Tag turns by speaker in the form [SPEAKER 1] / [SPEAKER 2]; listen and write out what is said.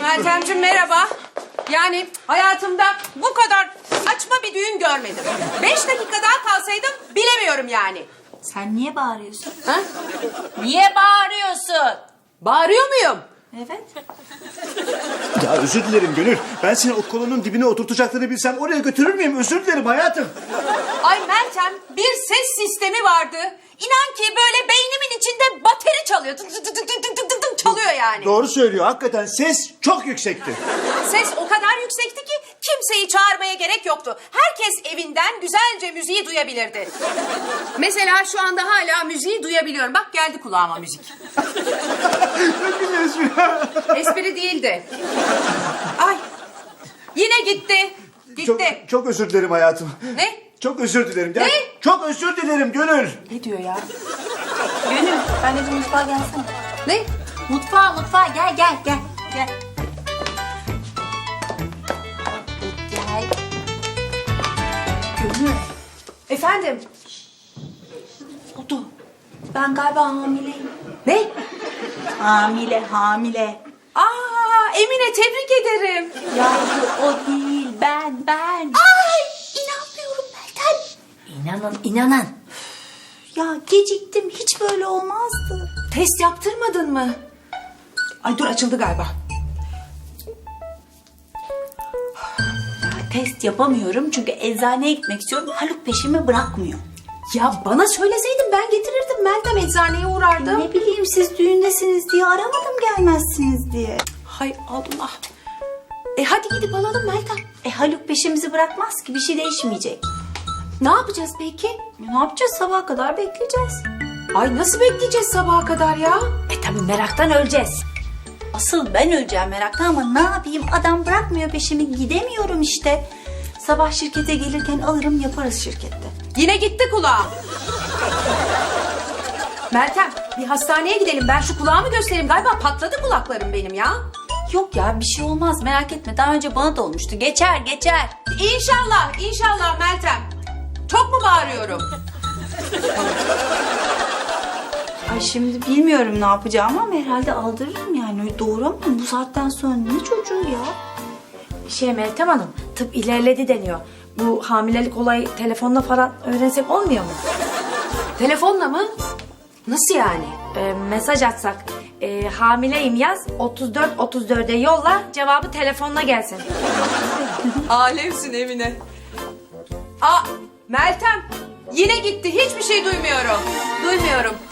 [SPEAKER 1] Meltemciğim merhaba. Yani hayatımda bu kadar saçma bir düğün görmedim. 5 dakika daha kalsaydım bilemiyorum yani.
[SPEAKER 2] Sen niye bağırıyorsun?
[SPEAKER 1] Ha?
[SPEAKER 2] Niye bağırıyorsun?
[SPEAKER 1] Bağırıyor muyum?
[SPEAKER 2] Evet.
[SPEAKER 3] Ya özür dilerim Gönül. Ben seni o kolonun dibine oturtacaklarını bilsem oraya götürür müyüm? Özür dilerim hayatım.
[SPEAKER 1] Ay Meltem, bir ses sistemi vardı. İnan ki böyle beynimin içinde bateri çalıyor. Tık tık tık tık tık tık tık tık çalıyor yani.
[SPEAKER 3] Doğru söylüyor. Hakikaten ses çok yüksekti.
[SPEAKER 1] Ses o kadar yüksekti ki kimseyi çağırmaya gerek yoktu. Herkes evinden güzelce müziği duyabilirdi. Mesela şu anda hala müziği duyabiliyorum. Bak geldi kulağıma müzik.
[SPEAKER 3] Çok güzel espri.
[SPEAKER 1] Espri değildi. Ay yine gitti. Gitti.
[SPEAKER 3] Çok özür dilerim hayatım.
[SPEAKER 1] Ne?
[SPEAKER 3] Çok özür dilerim.
[SPEAKER 1] Ne?
[SPEAKER 3] Çok özür dilerim Gönül.
[SPEAKER 1] Ne diyor ya?
[SPEAKER 2] Gönül, ben de mutfağa gelsene.
[SPEAKER 1] Ne?
[SPEAKER 2] Mutfağa gel. Gel. Gönül,
[SPEAKER 1] Efendim?
[SPEAKER 2] oldu. Ben galiba hamileyim.
[SPEAKER 1] Ne?
[SPEAKER 2] Hamile.
[SPEAKER 1] Aa Emine tebrik ederim.
[SPEAKER 2] Yavru o değil, ben.
[SPEAKER 1] Ay inanmıyorum Meltem.
[SPEAKER 2] İnanın. Ya geciktim, hiç böyle olmazdı.
[SPEAKER 1] Test yaptırmadın mı? Ay dur açıldı galiba.
[SPEAKER 2] Test yapamıyorum çünkü eczaneye gitmek istiyorum. Haluk peşimi bırakmıyor.
[SPEAKER 1] Ya bana söyleseydin ben getirirdim Meltem, eczaneye uğrardım.
[SPEAKER 2] Ne bileyim siz düğündesiniz diye aramadım, gelmezsiniz diye.
[SPEAKER 1] Hay Allah. Hadi gidip alalım Meltem.
[SPEAKER 2] Haluk peşimizi bırakmaz ki, bir şey değişmeyecek.
[SPEAKER 1] Ne yapacağız peki?
[SPEAKER 2] Ne yapacağız, sabaha kadar bekleyeceğiz.
[SPEAKER 1] Ay nasıl bekleyeceğiz sabaha kadar ya?
[SPEAKER 2] Tabii meraktan öleceğiz. Asıl ben öleceğim meraktan ama ne yapayım, adam bırakmıyor peşimi, gidemiyorum işte. Sabah şirkete gelirken alırım, yaparız şirkette.
[SPEAKER 1] Yine gitti kulağım. Meltem bir hastaneye gidelim, ben şu kulağımı göstereyim. Galiba patladı kulaklarım benim ya.
[SPEAKER 2] Yok ya, bir şey olmaz, merak etme, daha önce bana da olmuştu, geçer.
[SPEAKER 1] İnşallah Meltem. Çok mu bağırıyorum?
[SPEAKER 2] Ay şimdi bilmiyorum ne yapacağım ama herhalde aldırırım yani, öyle doğuramam bu saatten sonra, ne çocuğu ya.
[SPEAKER 4] Meltem Hanım, tıp ilerledi deniyor. Bu hamilelik olayı telefonla falan öğrensek olmuyor mu?
[SPEAKER 1] Telefonla mı? Nasıl yani?
[SPEAKER 4] Mesaj atsak, hamileyim yaz, 34-34'e yolla, cevabı telefonla gelsin.
[SPEAKER 1] Alemsin Emine. Aa Meltem yine gitti, hiçbir şey duymuyorum.